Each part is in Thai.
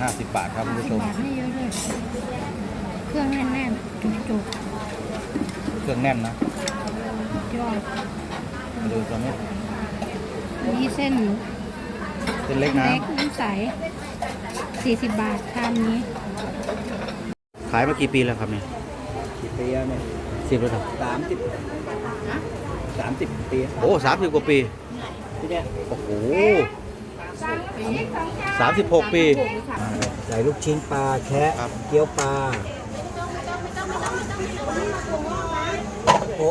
50 บาทครับคุณผู้ชมบาทไม่เยอะเลยเครื่องแน่นๆจุกเครื่องแน่นนะๆยอดมาดูตรงนี้นี่เส้นเป็นเล็กนะเล็กน้ำใส40 บาทชามนี้ขายมากี่ปีแล้วครับเนี่ยกี่ปีแล้วเนี่ย 10แล้วครับ 30ปีโอ้30 กว่าปีที่เนี่ยโอ้โห36 ปีใส่ลูกชิ้นปลาแคะครับเกี๊ยวปลาโอ้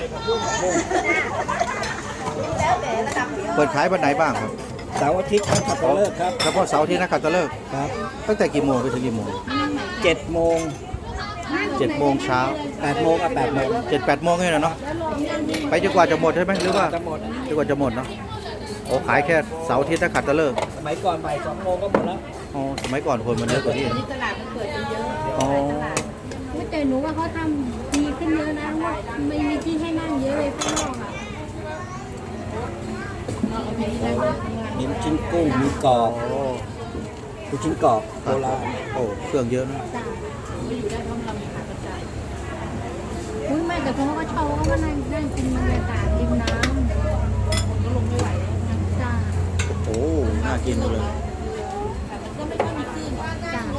เปิดขายวันไหนบ้างครับเสาร์อาทิตย์ครับขับเลิกครับเฉพาะเสาร์อาที่นักขัตฤกษ์ครับตั้งแต่กี่โมงไปถึงกี่โมง 7 โมง 7 โมงเช้า 8 โมงกับ8 โมง 7-8 โมงนี่แหละเนาะไปจนกว่าจะหมดใช่ไหมหรือว่าจะหมดจนกว่าจะหมดเนาะโอ้ขายแค่เสาร์อาที่นักขัตฤกษ์สมัยก่อนบ่าย2 โมงก็หมดแล้วอ๋อสมัยก่อนคนมันเยอะกว่านี้อ๋อแต่หนูว่าเขาทำดีขึ้นเยอะนะว่าไม่มีที่ให้นั่งเยอะเลยข้างนอกอ่ะมีลูกชิ้นกุ้งมีกรอบโอ้ลูกชิ้นกรอบโบราณโอ้เครื่องเยอะนะอุ้ยแม่แต่เขาก็ชอบเขาก็นั่งกินบรรยากาศริมน้ำก็ลงไม่ไหวจ้าโอ้น่ากินเลยจ้า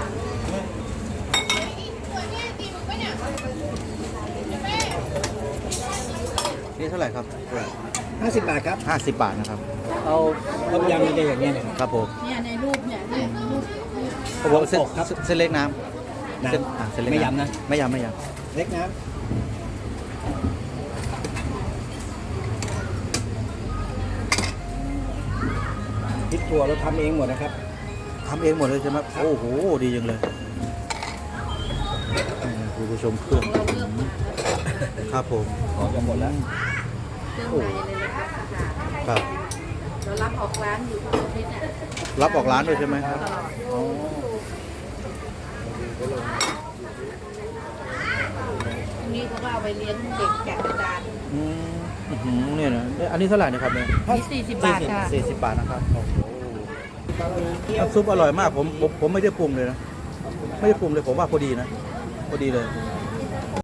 นี่เท่าไหร่ครับ 50 บาทครับ 50 บาทนะครับเอาต้มยำมีได้อย่างเงี้ยเนี่ยครับผมเนี่ยในรูปเนี่ยรูปผมเส้นครับเส้นเล็กน้ำน้ำเส้นเส้นเล็กไม่ยำนะไม่ยำไม่ยเล็กน้ำพริกถั่วเราทำเองหมดนะครับำทำเองหมดเลยใช่ไหมโอ้โหดีจังเลยคุณผู้ชมเครื่องครับผมขอจะหมดแล้วโอ้ครับเรารับออกร้านอยู่ทุกอาทิตย์เนี่ยรับออกร้านด้วยใช่ไหมครับอ๋อนี่เขาก็เอาไปเลี้ยงเด็กแกะกระดานอืมอื้อหือเนี่ยนะอันนี้เท่าไหร่นะครับเนี่ยนี่40 บาทค่ะ 40 บาทนะครับโอ้โหน้ำซุปอร่อยมากผมไม่ได้ปรุงเลยนะไม่ได้ปรุงเลยผมว่าพอดีนะพอดีเลย